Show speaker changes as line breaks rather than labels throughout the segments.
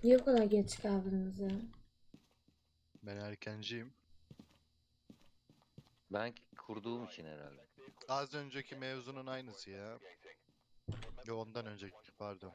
Niye bu kadar geç kaldınız ya?
Ben erkenciyim.
Ben kurduğum için herhalde.
Az önceki mevzunun aynısı ya. Yo, ondan önceki pardon.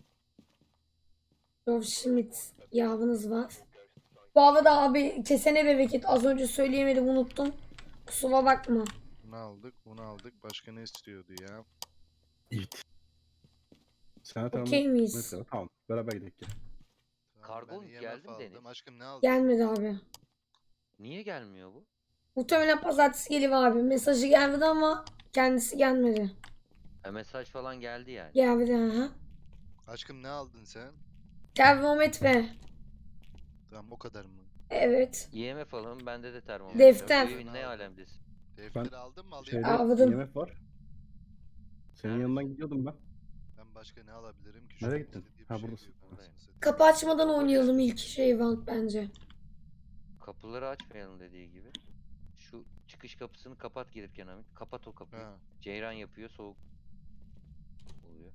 Rolf Schmidt yavınız var. Bu arada abi kesene bereket. Az önce söyleyemedim unuttum. Kusura bakma.
Bunu aldık, bunu aldık. Başka ne istiyordu ya?
İt. Sen tamam.
Okey miyiz?
Mesela tamam. Beraber gidelim.
Tamam,
Kargo
ben IMF
geldi mi
aldım.
Deniz?
Aşkım ne aldın?
Gelmedi abi.
Niye gelmiyor bu?
Muhtemelen pazartesi geliyor abi. Mesajı gelmedi ama kendisi gelmedi.
Mesaj falan geldi yani.
Gelmedi ha.
Aşkım ne aldın sen?
Termometre.
Tamam, o kadar mı?
Evet.
IMF alalım, bende de termometre.
Defter.
Bu evin ne alemdesin?
Defteri aldın mı? Alayım
Şeyde
mı?
Aldım.
IMF var. Senin
Neredesin?
yanından gidiyordum ben.
Ben başka ne alabilirim ki?
Nereye
Şunun
gittin?
istediği bir
Ha,
şey
buradasın.
yok, anasını
Buradayım.
satayım.
Kapı açmadan oynayalım ilk round bence.
Kapıları açmayalım dediği gibi. Şu çıkış kapısını kapat gelirken Hamit. Kapat o kapıyı.
Ha.
Ceyran yapıyor, soğuk oluyor.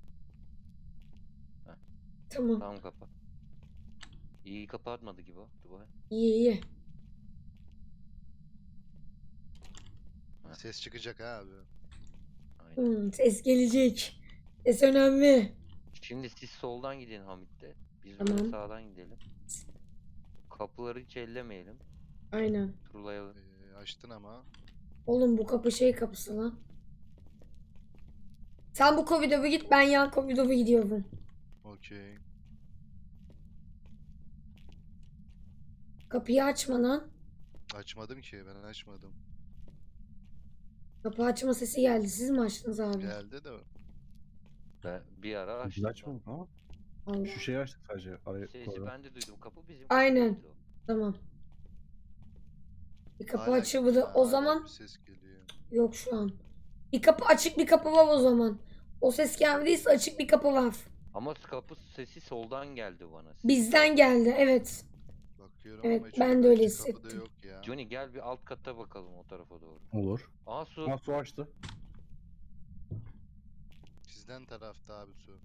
Tamam.
Tamam, kapat. İyi kapatmadı gibi o. Dur bakayım.
İyi iyi.
Ses çıkacak ha abi.
Aynen.
Ses gelecek. Ses önemli.
Şimdi siz soldan gidin Hamit'te. Biz
Tamam.
böyle sağdan gidelim. Kapıları hiç ellemeyelim.
Aynen.
Turlayalım.
Açtın ama.
Oğlum bu kapı şey kapısı lan. Sen bu koridora git, ben yan koridora gidiyorum.
Okey.
Kapıyı açma lan.
Açmadım ki, ben açmadım.
Kapı açma sesi geldi. Siz mi açtınız abi?
Geldi de.
Ben bir ara açtım.
Güzel açmadım ama.
Allah.
Şu şeyi açtık sadece. Araya
Sesi
koyalım.
ben de duydum. Kapı bizim
Aynen.
kapı değildi o.
Tamam. Bir kapı
Hala
açıldı.
ya,
O
hala
zaman
bir ses geliyor.
yok şu an. Bir kapı açık, bir kapı var o zaman. O ses gelmediyse açık bir kapı var.
Ama kapı sesi soldan geldi bana.
Bizden geldi, evet.
Bakıyorum
Evet,
ama hiç
ben de öyle
kapıda
hissettim.
yok ya.
Johnny gel bir alt kata bakalım o tarafa doğru.
Olur.
Aa, su.
Ha, su açtı.
Sizden tarafta abi su.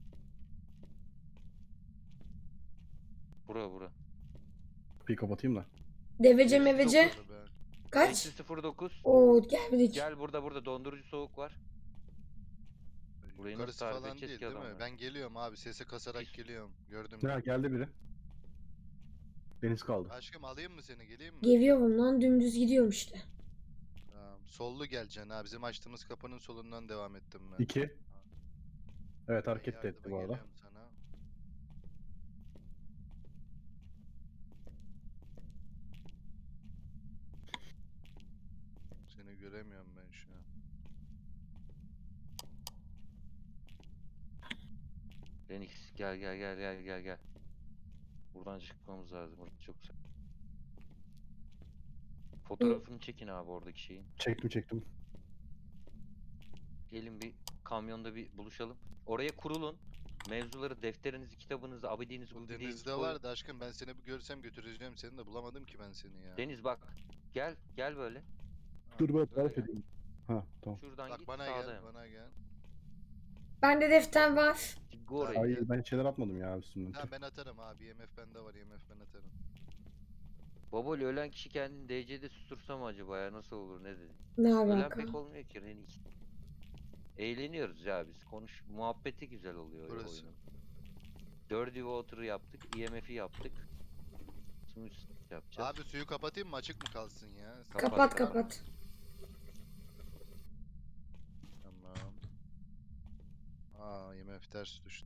Bura.
Kapıyı kapatayım da.
Devece
Eksi
mevece.
dokuz.
Ben
Kaç?
Eksi 09.
Oo gelmedik.
Gel burada dondurucu soğuk var. Burayı nasıl
yukarısı
tarif
falan
edeceğiz
değil
ki
değil mi?
adamlara?
Ben geliyorum abi, sese kasarak
Pis.
geliyorum. Gördüm.
Ya geldi biri. Deniz kaldı.
Aşkım alayım mı seni, geleyim mi?
Geliyorum lan, dümdüz gidiyorum işte.
Tamam. Sollu geleceksin ha. Bizim açtığımız kapının solundan devam ettim ben.
2. Evet,
Ben
hareket de etti
yardıma
bu arada.
geliyorum sana. Seni göremiyorum ben şu an.
Renix gel. Buradan çıkmamız lazım. Burası çok güzel. Fotoğrafını çekin abi oradaki şeyin.
Çektim.
Gelin bir kamyonda bir buluşalım. Oraya kurulun. Mevzuları, defterinizi, kitabınızı, abidinizi,
Bu
gubidinizi
denizde
koyun.
vardı aşkım, ben seni bir görsem götüreceğim seni de, bulamadım ki ben seni ya.
Deniz bak. Gel böyle.
Ha,
Dur ben
Böyle
tarif
gel.
edeyim. Ha, tamam.
Şuradan
Bak
git
bana
sağda
gel,
hemen.
bana gel.
Bende defter var.
Git oraya.
Ay,
Hayır, ben şeyler atmadım ya üstümden.
Tamam ben atarım abi, IMF bende var, IMF ben atarım.
Babol ölen kişi kendini DC'de sustursa mı acaba ya, nasıl olur, ne dedi?
Ne
Ölen
alaka?
pek olmuyor ki Renix. Eğleniyoruz ya biz. Muhabbeti güzel oluyor ya
Burası.
oyunun. Dirty Water'ı yaptık, IMF'i yaptık. Şimdi yapacağız.
Abi suyu kapatayım mı, açık mı kalsın ya?
Kapat.
Tamam. Aa, IMF ters düştü.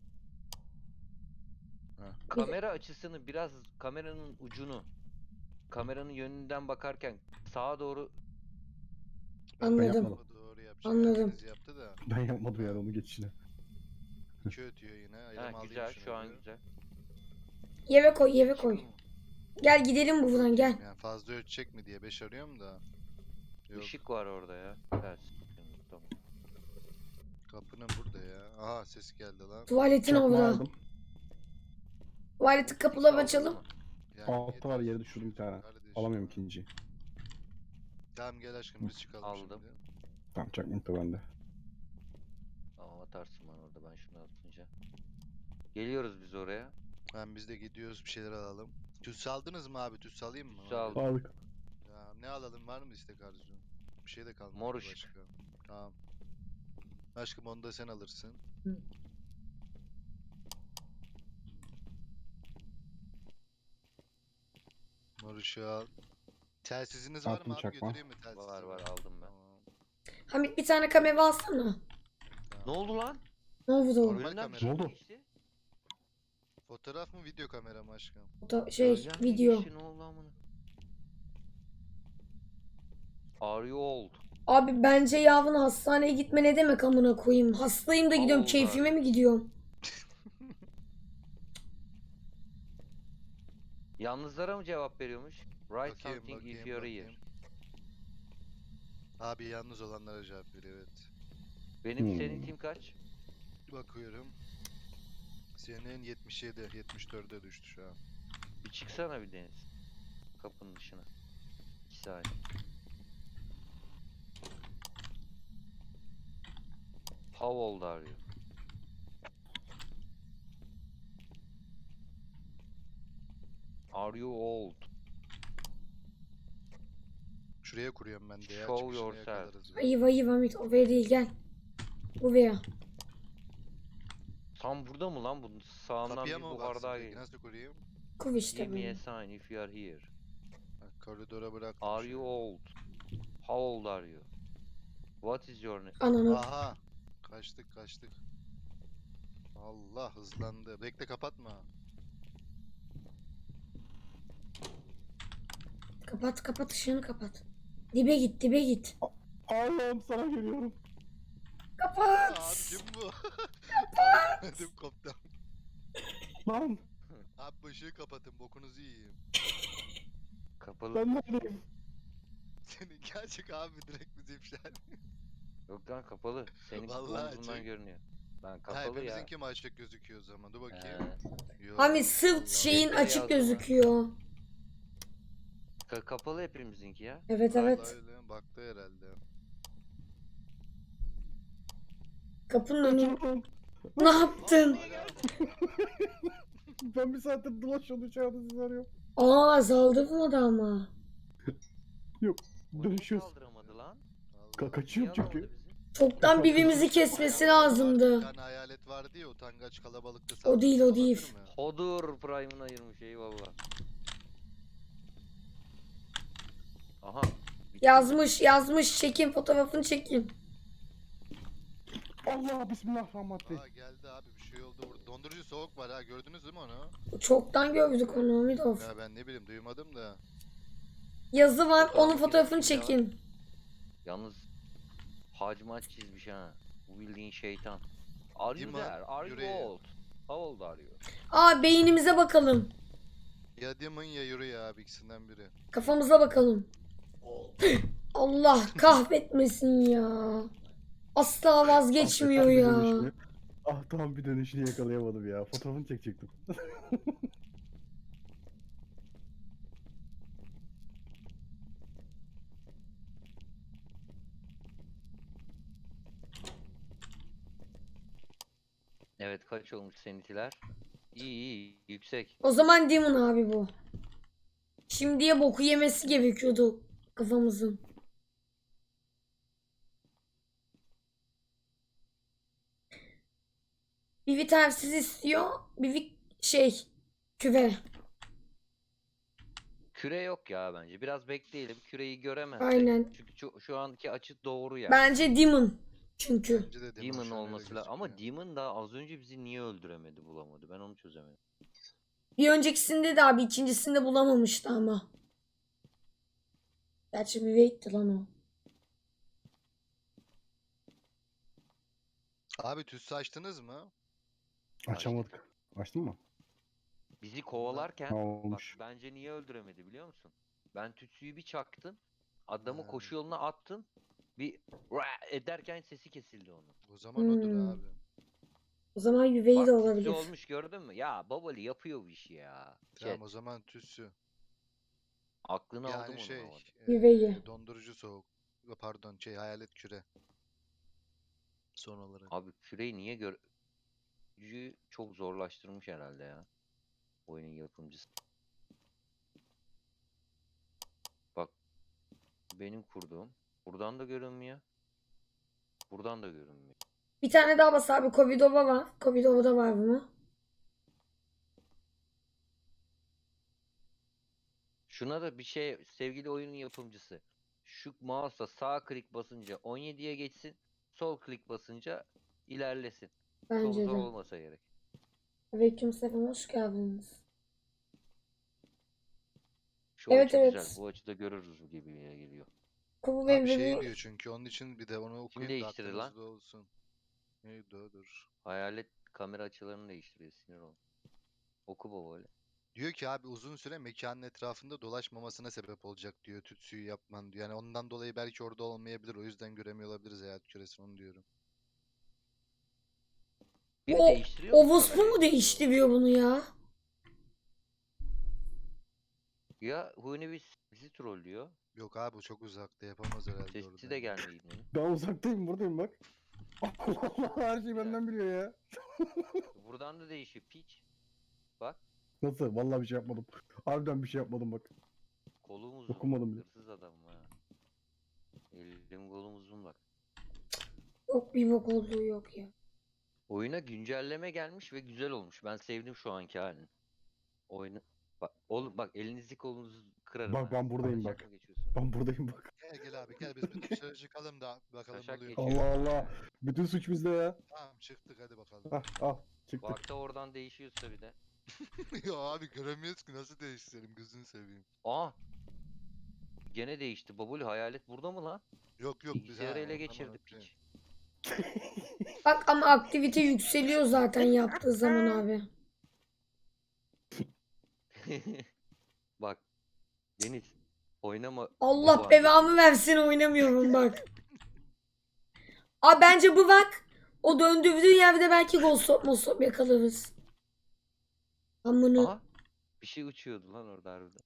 Kamera açısını biraz, kameranın ucunu, kameranın yönünden bakarken sağa doğru
Anladım.
yapmadım. Doğru yapacağım.
Anladım.
Herkes yaptı da.
Ben yapmadım yani onu geçişine.
2 ötüyor yine. Elime alayım
güzel,
şunu
şu an
bir.
güzel.
Yere koy. Gel gidelim buradan gel.
Yani fazla ölçecek mi diye 5 arıyorum da. Yok.
Işık var orada ya. Ters. Tamam.
Kapının burada ya. Aha, ses geldi lan.
Tuvaletin
Çakma
orada.
aldım.
Tuvaletin kapıları açalım.
Yani
Altta var,
yeter
yere düşürdüm bir tane.
kardeşim
Alamıyorum
ya.
ikinciyi.
Tamam gel aşkım, biz çıkalım
Aldım.
şimdi.
Tamam, çakmak da bende.
Tamam, atarsın bana orada, ben şunu atınca. Geliyoruz biz oraya.
Biz de gidiyoruz bir şeyler alalım. Tüs aldınız mı abi? Tüs alayım mı?
Tüs aldım.
Aldık.
Ya ne alalım, var mı istek arzu? Bir şey de kalmadı
Mor
ki
ışık.
başka. Tamam. Aşkım onu da sen alırsın.
Hı.
Mor ışığı al. Telsiziniz var
Attım
mı abi?
çakma.
Götüreyim mi telsizi?
Var aldım ben.
Tamam.
Hamit bir tane kamera alsana.
Ne oldu lan?
Ne oldu?
Normal
Önümden bir
kamera.
şey
Ne oldu?
geçti.
Fotoğraf mı video kamera mı aşkım?
Önümden bir
Video.
geçti, ne oldu amına? Are you old?
Abi bence Yavun hastaneye gitme ne demek amına koyayım. Hastayım da gidiyorum.
Allah.
Keyfime mi gidiyorum?
Yalnızlara mı cevap veriyormuş? Write
Bakayım,
something if
bakayım,
you're here.
bakayım. Abi yalnız olanlara cevap veriyor, evet.
Benim senin tim kaç?
Bakıyorum. Senin 77, 74'e düştü şu an.
Bir çıksana bir Deniz. Kapının dışına. 2 saniye. How old are you? Are you old?
Şuraya kuruyorum ben de ya.
Show
Çıkışını
yourself.
yakalarız.
Ayıp ayıp Hamit. O veya değil gel. Bu veya.
Tam burada mı lan bu? Sağından
Kapıya
bir
mı
buhar
baksın
daha
peki?
geliyor.
Nasıl kurayım?
Kuv işte
Give me a
bu.
sign if you are here.
Ha, koridora bırak.
Are you old? How old are you? What is your name?
Ananı.
Aha. Kaçtık. Allah hızlandı. Bekle, kapatma.
Kapat ışığını kapat. Dibe git.
Allah'ım sana geliyorum.
Kapat.
Abi kim bu? Ödüm koptu.
Lan
Abi bu ışığı kapatın, bokunuzu yiyeyim.
Kapalı.
ben neredeyim?
Senin gerçek abi direkt bizi ifşa ediyor.
Yok lan kapalı. Senin
Vallahi
omzundan
açık.
görünüyor. Lan
Ha,
kapalı ya.
hepimizinki mi açık gözüküyor o zaman? Dur bakayım. Yo,
Hamit sırt
Allah.
şeyin
Bekle
açık
yazma.
gözüküyor.
Kapalı hepimizinki ya.
Evet
Vallahi
evet.
öyle, baktı herhalde.
Kapının önü.
Kaçıyorum.
Ne yaptın?
Hala
Ben bir saattir dolaşıyorum içeride sizi arıyorum.
Aa azaldırmadı ama.
Yok
O niye
dönüşüyoruz.
kaldıramadı lan?
Allah.
Kaçıyorum
Niye
çünkü.
alamadı bizi?
Çoktan birbirimizi kesmesi lazımdı.
Bir tane hayalet vardı ya, utangaç kalabalıkta
O değil, o
saldırısı
değil.
olabilir mi?
Hodur Prime'ını ayırmış eyvallah. Aha. bitti.
Yazmış çekin fotoğrafını çekin.
Allah bismillahirrahmanirrahim.
Aa geldi abi, bir şey oldu burada. Dondurucu soğuk var ha, gördünüz değil mi onu?
Çoktan gördük onu Hamidov.
Ya ben ne bileyim, duymadım da.
Yazı var onun
Fotoğrafı
fotoğrafını
çekin ya.
çekin.
Yalnız hacmat çizmiş ha. Bu bildiğin şeytan. Are you
Dima,
there? Are you
yüreği.
old? How old are you?
Aa beynimize bakalım.
Ya Demon ya Yuri ya abi, ikisinden biri.
Kafamıza bakalım. Allah kahretmesin ya. Asla vazgeçmiyor
Ah, bir
ya.
dönüşünü. Ah tamam, bir dönüşünü yakalayamadım ya. Fotoğrafını çekecektim.
Evet kaç olmuş seninkiler? İyi yüksek.
O zaman Demon abi bu. Şimdiye boku yemesi gerekiyordu kafamızın. Bir vitersiz istiyor. Küve.
Küre yok ya bence. Biraz bekleyelim. Küreyi göremezsek.
Aynen.
Çünkü şu anki açı doğru yani.
Bence Demon. Çünkü.
Bence de
Demon
şu an öyle
olması lazım. Ama
gözüküyor.
Demon da az önce bizi niye öldüremedi, bulamadı? Ben onu çözemedim.
Bir öncekisinde de abi ikincisinde bulamamıştı ama. Gerçi bir wait'ti lan o.
Abi tüssü açtınız mı?
Açamadık. Açtın mı?
Bizi kovalarken
Ha,
bak
olmuş.
bence niye öldüremedi biliyor musun? Ben tütsüyü bir çaktım. Adamı
Ha.
koşu yoluna attım. Bir ederken sesi kesildi onun.
O zaman odur
Hmm.
abi.
O zaman yüveyi
Bak
de
tütsü
olabilir.
olmuş gördün mü? Ya Babali yapıyor bu işi ya.
Tamam
Chat,
o zaman tüssü.
aklını aldım
Yani
onun
şey,
ama.
Yüveyi.
dondurucu soğuk. Pardon, hayalet küre. Son olarak.
Abi küreyi niye gör... Gücü çok zorlaştırmış herhalde ya. Oyunun yapımcısı. Bak benim kurduğum. Buradan da görünmüyor. Buradan da görünmüyor.
Bir tane daha bas abi. Covidova var. Covidova'da var bunu.
Şuna da bir şey sevgili oyunun yapımcısı. Şu mouse'la sağ klik basınca 17'ye geçsin. Sol klik basınca ilerlesin. Çok
Bence
zor
de.
olmasa gerek.
Aleykümselam, hoş geldiniz.
Şu
Evet,
açı
evet.
güzel. Bu açıda görürüz gibi geliyor.
Kubu
Abi
benim
şey
bebeğim.
diyor çünkü onun için bir de onu okuyun da
değiştirir lan?
aklınızda olsun. Neydi o, dur.
Hayalet kamera açılarını değiştiriyor. Sinir ol. Oku baba öyle.
Diyor ki abi uzun süre mekanın etrafında dolaşmamasına sebep olacak diyor tütsüyü yapman diyor. Yani ondan dolayı belki orada olmayabilir. O yüzden göremiyor olabiliriz hayat küresini, onu diyorum.
Biri
O,
değiştiriyor mu
Ovospu
kamerayı?
mu değiştiriyor bunu ya?
Ya Huni bizi trollüyor.
Yok abi, bu çok uzakta, yapamaz herhalde
Sesi
orada.
de gelmiyor İbne'nin.
Ben uzaktayım buradayım bak. Allah Allah, her şeyi benden biliyor ya.
Buradan da değişiyor. Piç. Bak.
Nasıl? Vallahi bir şey yapmadım. Harbiden bir şey yapmadım bak.
Kolum uzun.
Okumadım bile.
Hırsız adam ha. Elim kolum uzun bak.
Yok, bir bok olduğu yok ya.
Oyuna güncelleme gelmiş ve güzel olmuş. Ben sevdim şu anki halini. Oyunu bak oğlum, bak elinizi kolunuzu kırarım.
Bak,
ha.
ben buradayım
Taşak
bak.
mı geçiyorsun?
Ben buradayım bak.
Gel abi gel, biz bir dışarı çıkalım da bakalım
Taşak
oluyor.
geçiyor.
Allah Allah. Bütün suç bizde ya.
Tamam çıktık, hadi bakalım.
Hah, al. Çıktık.
Bak da oradan değişiyorsa bir de.
Ya abi göremiyoruz ki, nasıl değiştirelim, gözünü seveyim.
Aa! Gene değişti. Babul hayalet burada mı lan?
Yok yok biz
Bilgisayarı ele
tamam,
geçirdi
okey.
piç.
Bak ama aktivite yükseliyor zaten yaptığı zaman abi.
Bak. Deniz. Oynama.
Allah
baba
belamı versin, oynamıyorum bak. Abi bence bu bak. O döndürdüğü yerde belki gol mosop yakalarız. Amına.
Aha. Bir şey uçuyordu lan orada harbiden.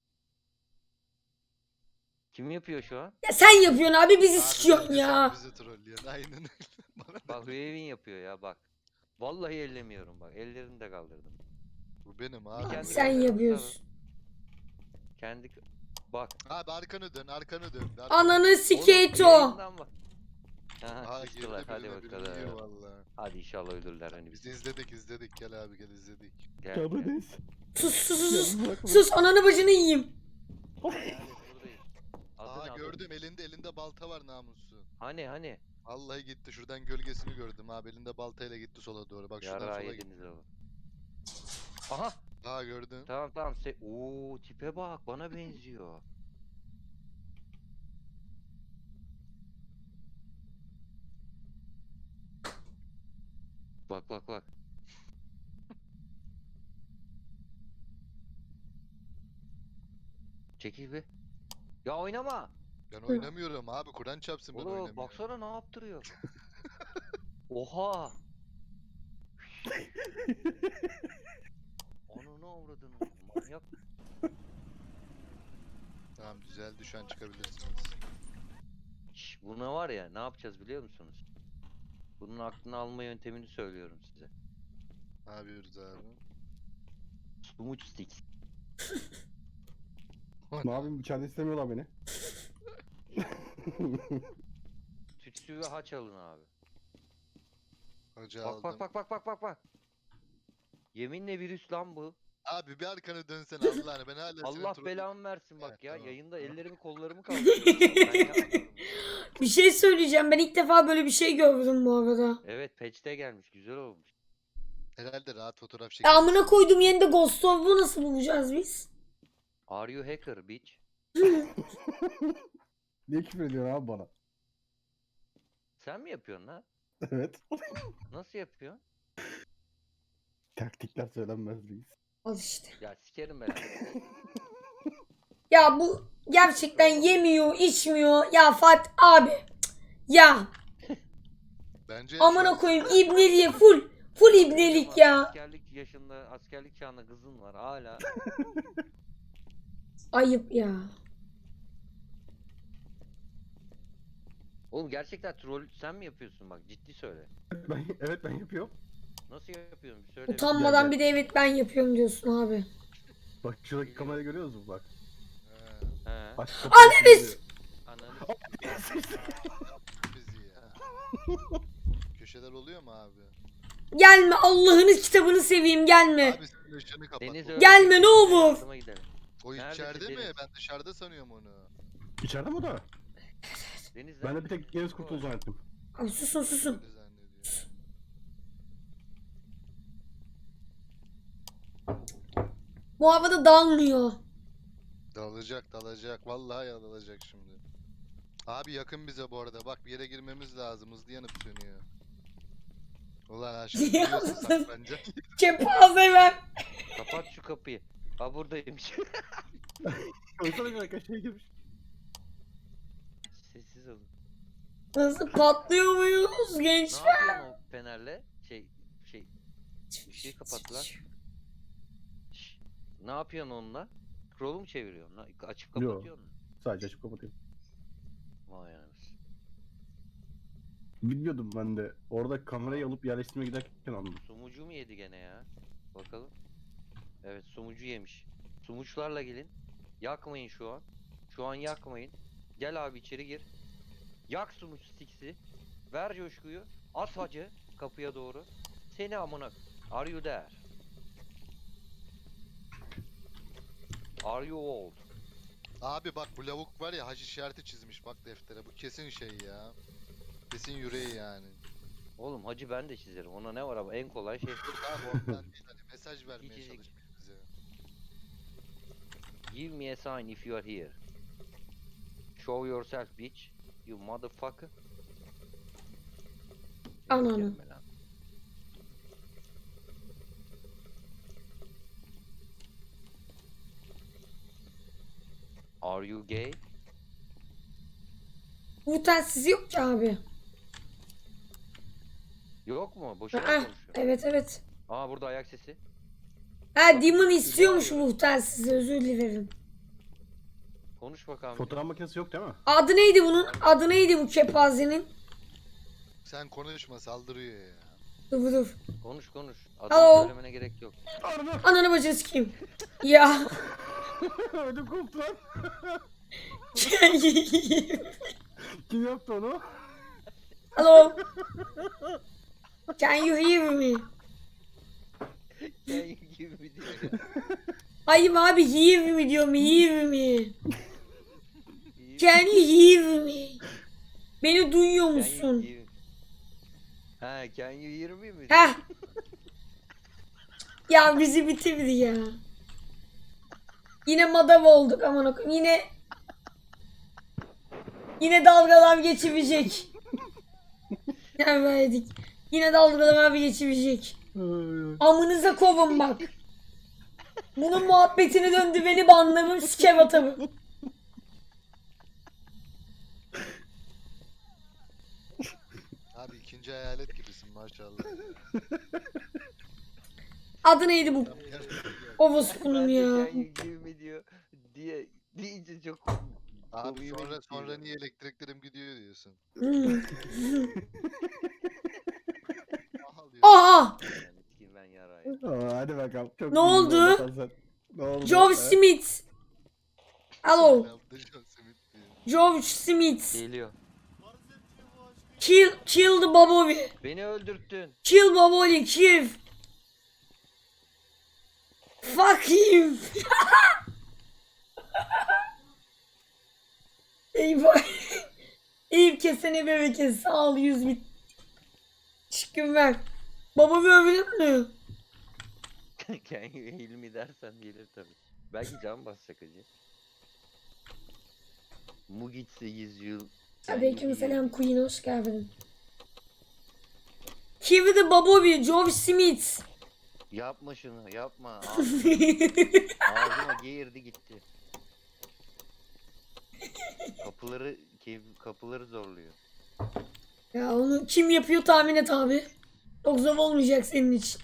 Kim yapıyor şu an?
Ya sen yapıyorsun abi, bizi
Abi
sikiyorsun
bence sen
ya.
bizi trollüyorsun, aynen öyle. Bana
Bak Huevin yapıyor ya bak. Vallahi ellemiyorum bak. Ellerini de kaldırdım.
bu benim
Bir
abi.
kendi
Sen
kameramızı
yapıyorsun.
Kendi bak.
Abi arkanı dön, arkanı dön.
Ananı
Oğlum,
sikeyto.
yayından bak. Aha,
Aa
kıstılar.
girdi
Hadi
birine, biri yiyor
bakalım.
valla.
Hadi inşallah ölürler hani
Biz
bizi.
izledik, gel abi gel izledik.
Gel,
Ya
gel.
bu neyse.
Sus sus sus sus.
Ya bırakma.
Sus, ananı bacını yiyeyim.
Hayalet buradayız. Adın
Aa
adın.
gördüm, elinde balta var namusu.
Hani.
Vallahi gitti, şuradan gölgesini gördüm abi, elinde baltayla gitti sola doğru, bak şuradan
Yarrağı
sola
yediniz
gitti.
oğlum. Aha.
Aa gördün.
Tamam. Oo tipe bak, bana benziyor. Bak. Çekil bir. Ya oynama.
Ben oynamıyorum abi, Kur'an çarpsın, ben
Oğlum
oynamıyorum.
baksana ne yaptırıyor. Oha. Onu ne avradın? Manyak.
Tamam düzeldi, şu an çıkabilirsiniz.
Şş, buna var ya, ne yapacağız biliyor musunuz? Bunun aklını alma yöntemini söylüyorum size.
Ne yapıyoruz abi?
Smooth sticks.
Ne yapayım, içeride istemiyorlar beni.
Tütsü ve haç alın abi.
Hoca
Bak
aldım.
bak. Yeminle virüs lan bu.
Abi bir arkanı dönsene Allah'ını, ben hala
Allah
seni troll-
belamı versin bak
Evet,
ya.
tamam.
Yayında ellerimi kollarımı kaldırıyorum. Ben yapmıyorum.
Bir şey söyleyeceğim. Ben ilk defa böyle bir şey gördüm bu arada.
Evet patch'te gelmiş. Güzel olmuş.
Herhalde rahat fotoğraf
Ya
çekilirsin.
amına koydum, yerinde Ghost Orb'u nasıl bulacağız biz?
Are you hacker bitch?
Niye küfür ediyorsun abi bana?
Sen mi yapıyorsun lan?
Evet.
Nasıl yapıyorsun?
Taktikler söylenmez reis.
Al işte.
Ya sikerim ben.
Ya bu gerçekten yemiyor, içmiyor. Ya Fatih abi. Cık. Ya
Bence
amına koyayım, ibneliğe full ibnelik ya.
Askerlik yaşında, askerlik çağında kızın var hala.
Ayıp ya.
Oğlum gerçekten troll sen mi yapıyorsun bak, ciddi söyle.
Evet ben yapıyorum.
Nasıl yapıyorsun bir söyle.
Utanmadan
Gel,
bir de evet ben yapıyorum diyorsun abi.
Bak şuradaki kamerayı görüyor musun bak?
He,
He.
Aç kapıyı.
Ananı
Ananı
bizi ya. Köşeler oluyor mu abi?
Gelme, Allah'ın kitabını seveyim, gelme.
Abi sen ışığını kapat.
Deniz
O-
öldü.
Gelme, ne olur.
Yardıma gidelim.
O
Neredesin
içeride mi?
Deniz?
Ben dışarıda sanıyorum onu.
İçeride mi o da?
Deniz
Ben de bir tek Deniz Kurtulu zannettim.
Abi susun susun.
Öyle zannediyorum.
Bu havada dalmıyor.
Dalacak. Vallahi dalacak şimdi. Abi yakın bize bu arada. Bak bir yere girmemiz lazım. Hızlı yanıp sönüyor. Ulan aşkım biliyorsun saklanacak.
Kepaze ver.
kapat şu kapıyı. Ha buradaymış.
Koysana bir dakika şey girmiş.
Sessiz olun.
Nasıl patlıyor muyuz
Ne
gençler?
yapıyorsun o fenerle? Işığı kapat lan. Şş, ne yapıyorsun onunla? Scroll'u mu çeviriyorsun? Açıp
Yo.
kapatıyorsun mu?
Sadece açıp kapatayım.
Vay anasını.
Bilmiyordum ben de. Orada kamerayı alıp yerleştirmeye giderken anladım.
Sumucu mu yedi gene ya? Bakalım. Evet sumucu yemiş. Sumuçlarla gelin. Yakmayın şu an. Şu an yakmayın. Gel abi içeri gir. Yak sumuç stiksi. Ver coşkuyu. At hacı kapıya doğru. Seni amına. Are you there? Are you old?
Abi bak bu lavuk var ya hac işareti çizmiş bak deftere. Bu kesin şey ya. Kesin yüreği yani.
Oğlum hacı ben de çizerim. Ona ne var ama en kolay şey.
Abi ondan değil hani mesaj vermeye
İçecek.
çalışmış bize.
Give me a sign if you are here. Show yourself bitch. You motherfucker.
Ananı.
Gelme lan. Are you gay?
Bu telsiz yok ki abi.
Yok mu? Boşuna mı
Aa,
konuşuyor?
evet.
Aa burada ayak sesi.
Ha Demon istiyormuş bu telsizi, özür dilerim.
Konuş bakalım.
Fotoğraf makinesi yok değil mi?
Adı neydi bunun? Adı neydi bu kepazenin?
Sen konuşma saldırıyor ya.
Dur.
Konuş.
Alo.
Adını söylemene gerek yok.
Ananı bacını sikeyim. Ya.
Ödüm koptu lan. Kim yaptı onu?
Hello. Can you hear me?
Sen gibi bir diyor ya.
Hayır abi, hear me diyorum, hear me. Can you hear me? Beni duyuyor
Can you
musun?
hear- Ha, can you hear me mi?
Heh. Ya bizi bitirdi ya. Yine madav olduk aman okuyayım. Yine dalgalar geçirecek. Verdik. Yine dalgalar geçirecek. Amınıza kovun bak. Bunun muhabbetini döndü, beni banlarım, siker atarım.
Abi ikinci hayalet gibisin maşallah.
Adı neydi bu?
Tam gerçek ya.
Ovospunun
Ben de
ya.
can you hear me diyor. Deyince çok
Abi
komiğime gitti
sonra
ya.
niye elektriklerim gidiyor diyorsun.
Hmm.
Ağlıyor.
Aha!
Yani sikeyim ben yarayı.
Aa, hadi bakalım. Çok
Ne
iyi
oldu?
anlatan sen. Ne oldu?
George
Ha?
Smith. Hello.
Yaptı John Smith diyor.
George Smith.
Geliyor.
Kill the Bobby.
Beni öldürttün.
Kill Bobby, kill. Fuck him. Eyvah. Eyüp kesene bereket. Sağ ol 100 bit. Çıkın ver. Babamı övülür mü?
Can you hear me dersen gelir tabi. Belki can basacak acı. Mugit 8 yıl.
Aleykümselam Queen, hoş geldin. Kill the Bobby, George Smith.
Yapma şunu yapma. Ağzıma geğirdi gitti. Kapıları zorluyor.
Ya onu kim yapıyor tahmin et abi. Çok zor olmayacak senin için.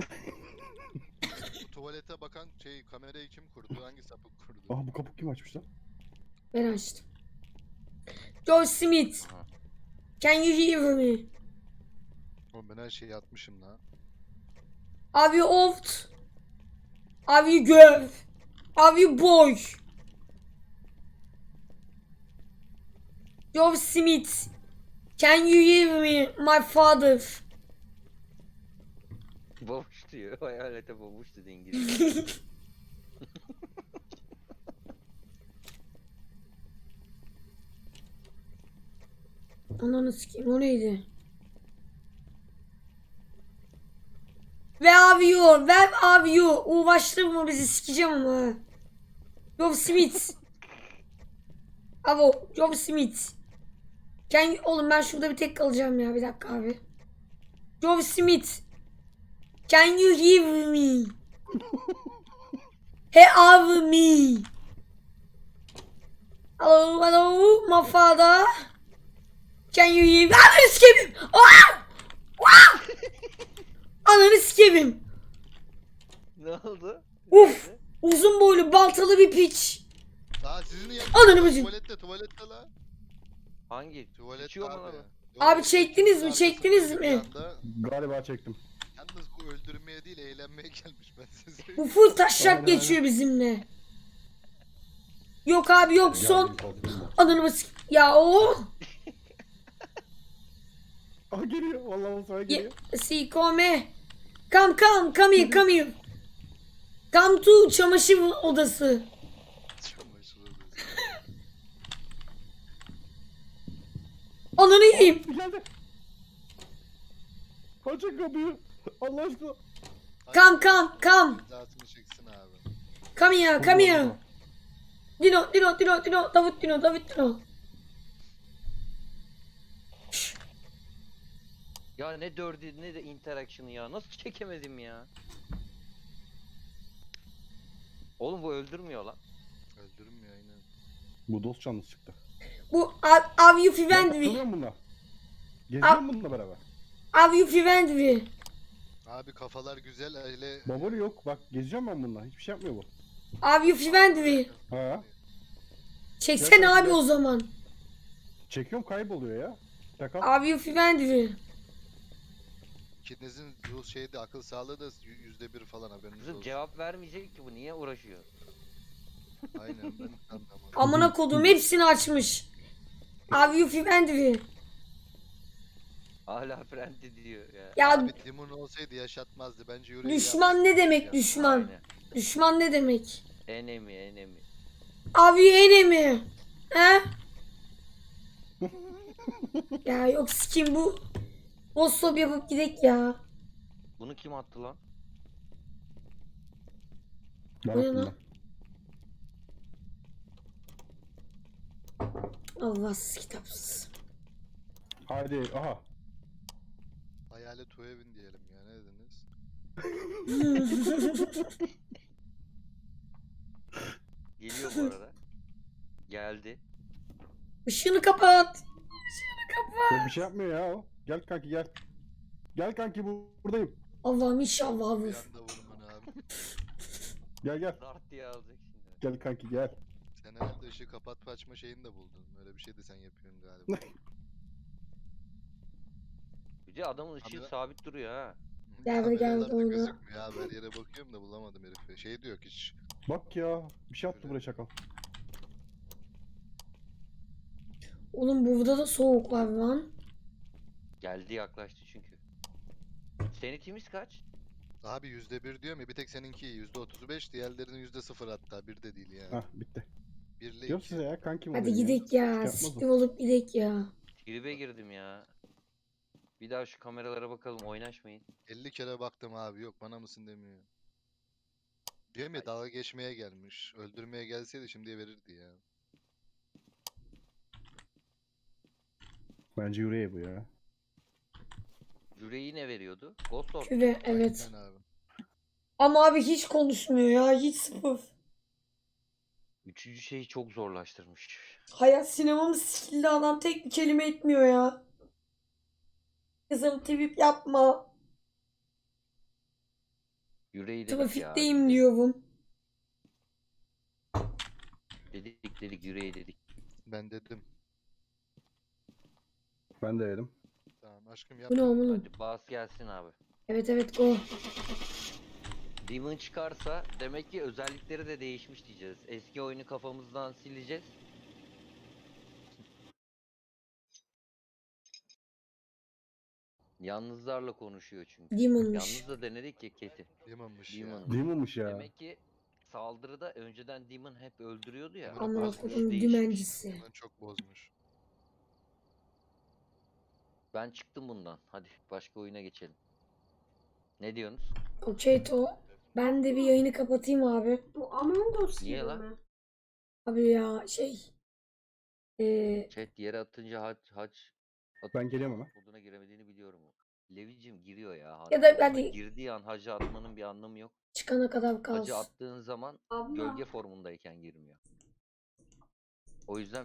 Bu tuvalete bakan kamerayı kim kurdu? Hangi sapık kurdu?
Aa bu kapı kim açmış lan?
Ben açtım. George Smith.
Aha.
Can you hear me?
Oğlum ben her şeyi atmışım lan.
Have you oft? Have you girl? Are you boy? Joe Smith. Can you hear me, my father?
Babuş diyor. Hayalete babuş dedi İngilizce.
Ananı sikeyim, o neydi? Where are you? Where are you? Uğraştırma bizi, sikeceğim ama. Joe Smith. Avo, Joe Smith. Oğlum ben şurada bir tek kalacağım ya, bir dakika abi. Joe Smith. Can you hear me? Hear me? Hello, hello, my father. Can you hear me? Ananı sikeyim. Ananı sikeyim.
Ne oldu?
Uf.
Nerede?
Uzun boylu baltalı bir piç.
Aa sizin
Ananı
yanınızda
bacım.
tuvalette la.
Hangi?
Tuvalet
İçiyor mu
abi.
lan?
Yok,
Abi
yok,
çektiniz mi?
arkasında
Çektiniz
bir
mi?
yanda.
Galiba çektim.
Yalnız bu öldürmeye değil eğlenmeye gelmiş ben size söyleyeyim.
Bu full taşak
Aynen,
geçiyor bizimle. Yok abi yok, son.
Geldim, korktum ben.
Ananı bas. Ya o.
Aha geliyor. Vallahi o sana geliyor.
Si come. Come here, come here. Come to çamaşır odası.
Çamaşır odası.
Ananı yiyeyim.
Geldi. Açın kapıyı. Allah aşkına.
Come.
Cezasını çeksin abi.
Come here. Dino. Davut Dino.
Ya ne dördü ne de interaction'ı ya. Nasıl çekemedim ya? Oğlum bu öldürmüyor lan.
Öldürmüyor aynen.
Bu dost canlısı çıktı.
Bu Are you
Ben
friendly?
takılıyorum bununla. Geziyorum bununla beraber.
Are you friendly?
Abi kafalar güzel öyle.
Baboli yok. Bak geziyorum ben bununla. Hiçbir şey yapmıyor bu.
Are you friendly?
Ha?
Çeksene abi o zaman.
Çekiyorum kayboluyor ya. Şaka.
Are you friendly?
İkinizin bu şeyde akıl sağlığı da %1 falan haberiniz
Kızım
olsun.
cevap vermeyecek ki bu. Niye uğraşıyor?
Aynen ben anlamadım.
Amına kodum hepsini açmış. Are you friendly?
Hala friendly diyor ya.
Ya
Abi Timon olsaydı yaşatmazdı bence yüreği
düşman ne demek
ya.
düşman?
Aynen.
Düşman ne demek?
Enemy.
Are you enemy? He? Ya yok sikim bu. Bossop yapıp gidek ya.
Bunu kim attı lan?
Ben
Bu ne
attım
lan?
ben.
Allahsız kitapsız.
Haydi aha.
Hayalet Tuevin diyelim ya ne dediniz?
Geliyor bu arada. Geldi.
Işığını kapat.
Ya bir şey yapmıyor ya o. Gel kanki gel. Gel kanki buradayım.
Allah'ım inşallah
Bir
vur.
anda vurman abi.
Gel.
Dart diye alacak şimdi.
Gel kanki gel.
Sen herhalde ışığı kapatma açma şeyini de buldun. Öyle bir şey de sen yapıyorsun galiba.
Bir de adamın ışığı
Abi-
sabit duruyor ha.
Gel buraya, gel
Kameralarda
buraya, oyna.
gözükmüyor abi. Her yere bakıyorum da bulamadım herifi. Şey diyor ki hiç.
Bak ya. Bir şey attı buraya çakal.
Oğlum burada da soğuk var lan.
Geldi yaklaştı çünkü. Sanitimiz kaç?
Abi %1 diyorum ya bir tek seninki %35 diğerlerinin %0 hatta bir de değil yani.
Hah bitti.
1 ile
Diyorum
2.
size ya kankim
Hadi
olayım
gidek
Şey
ya.
yapmaz o.
Siktir olup gidek ya.
Tribe girdim ya. Bir daha şu kameralara bakalım oynaşmayın.
50 kere baktım abi yok bana mısın demiyor. Diyorum ya dalga geçmeye gelmiş. Öldürmeye gelseydi şimdiye verirdi ya.
Bence yüreği bu ya.
Yüreği ne veriyordu? Ghost Orb.
Küve evet.
Aynen abi.
Ama abi hiç konuşmuyor ya. Hiç sıfır.
Üçüncü şeyi çok zorlaştırmış.
Hayat sinemamı sikildi, adam tek bir kelime etmiyor ya. Kızım trip yapma.
Yüreği dedik ya.
Trafikteyim diyorum.
Dedik yüreği dedik.
Ben dedim.
Ben de yedim.
Tamam aşkım yap.
Bu ne oğlum?
Hadi bas gelsin abi.
Evet go.
Demon çıkarsa demek ki özellikleri de değişmiş diyeceğiz. Eski oyunu kafamızdan sileceğiz. Yalnızlarla konuşuyor çünkü.
Demon'mış.
Yalnız da denedik ya Keti.
Demon'mış ya.
Demon.
Demon'muş ya.
Demek ki saldırıda önceden Demon hep öldürüyordu ya.
Demon'u
Amına
bozmuş.
koyduğum
Değişmiş.
dümencisi.
Demon çok bozmuş.
Ben çıktım bundan. Hadi başka oyuna geçelim. Ne diyorsunuz?
Okey to. Ben de bir yayını kapatayım abi.
Bu Among Us
Niye
gibi
lan?
mi?
Abi ya şey.
Chat yere atınca hac
Ben geliyorum ama.
moduna giremediğini biliyorum. Levicim giriyor ya.
Ya da
Ama
hadi-
girdiği an hacı atmanın bir anlamı yok.
Çıkana kadar
Hacı
kalsın.
attığın zaman
Abla.
gölge formundayken girmiyor. O yüzden